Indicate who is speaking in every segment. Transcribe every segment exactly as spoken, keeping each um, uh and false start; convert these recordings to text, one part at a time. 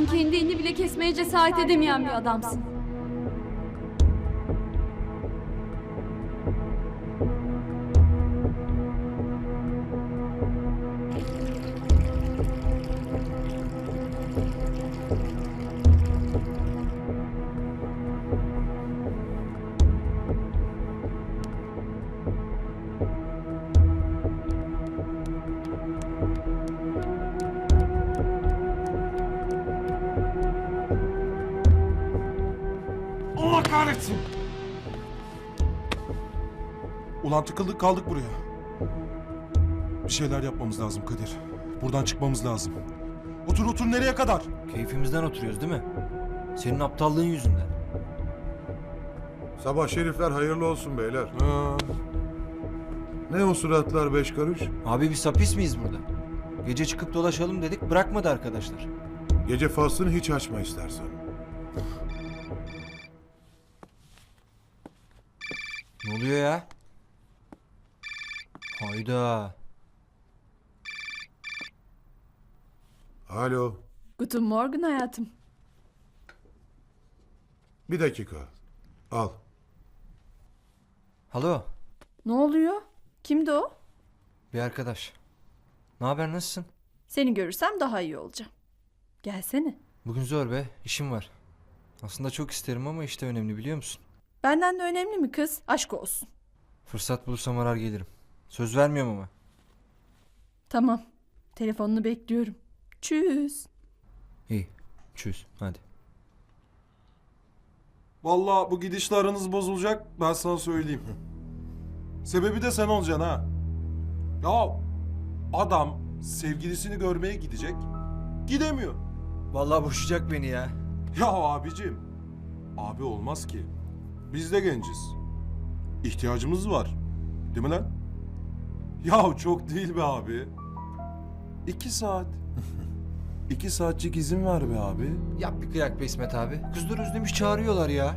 Speaker 1: Sen kendi elini bile kesmeye cesaret edemeyen bir adamsın.
Speaker 2: Allah kahretsin! Ulan tıkıldık kaldık buraya. Bir şeyler yapmamız lazım Kadir. Buradan çıkmamız lazım. Otur otur, nereye kadar?
Speaker 3: Keyfimizden oturuyoruz değil mi? Senin aptallığın yüzünden.
Speaker 4: Sabah şerifler hayırlı olsun beyler.
Speaker 2: Ha,
Speaker 4: Ne o suratlar beş karış?
Speaker 3: Abi biz hapis miyiz burada? Gece çıkıp dolaşalım dedik, bırakmadı arkadaşlar.
Speaker 4: Gece faslını hiç açma istersen.
Speaker 3: Ne oluyor ya? Hayda.
Speaker 4: Alo,
Speaker 5: Guten Morgen hayatım.
Speaker 4: bir dakika. Al.
Speaker 3: Alo,
Speaker 5: Ne oluyor? Kimdi o?
Speaker 3: bir arkadaş. Ne haber, nasılsın?
Speaker 5: Seni görürsem daha iyi olacağım. Gelsene.
Speaker 3: Bugün zor be, işim var. Aslında çok isterim ama işte önemli, biliyor musun?
Speaker 5: Benden de önemli mi kız? Aşk olsun.
Speaker 3: Fırsat bulursam arar gelirim. Söz vermiyorum ama.
Speaker 5: Tamam. Telefonunu bekliyorum. Tschüss.
Speaker 3: İyi, çöz, hadi.
Speaker 2: vallahi bu gidişle aranız bozulacak, ben sana söyleyeyim. Sebebi de sen olacaksın ha. Ya adam sevgilisini görmeye gidecek, gidemiyor.
Speaker 3: Vallahi boşayacak beni ya.
Speaker 2: Ya abicim, abi olmaz ki. Biz de genciz. İhtiyacımız var. Değil mi lan? Ya çok değil be abi. İki saat. İki saatçik izin ver be abi.
Speaker 3: Yap bir kıyak be İsmet abi. Kızlar özlemiş, çağırıyorlar ya.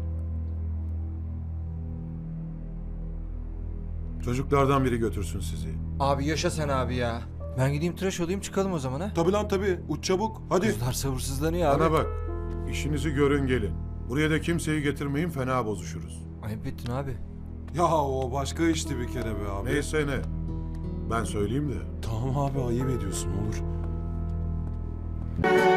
Speaker 4: Çocuklardan biri götürsün sizi.
Speaker 3: Abi yaşa sen abi ya. Ben gideyim tıraş olayım, çıkalım o zaman ha.
Speaker 2: Tabii lan tabii. Uç çabuk. Hadi.
Speaker 3: Kızlar sabırsızlanıyor abi.
Speaker 4: Bana bak. İşinizi görün gelin. Buraya da kimseyi getirmeyin, fena bozuşuruz.
Speaker 3: Ayıp ettin abi.
Speaker 2: Ya o başka işti bir kere be abi.
Speaker 4: Neyse ne. Ben söyleyeyim de.
Speaker 2: Tamam abi, ayıp ediyorsun, olur.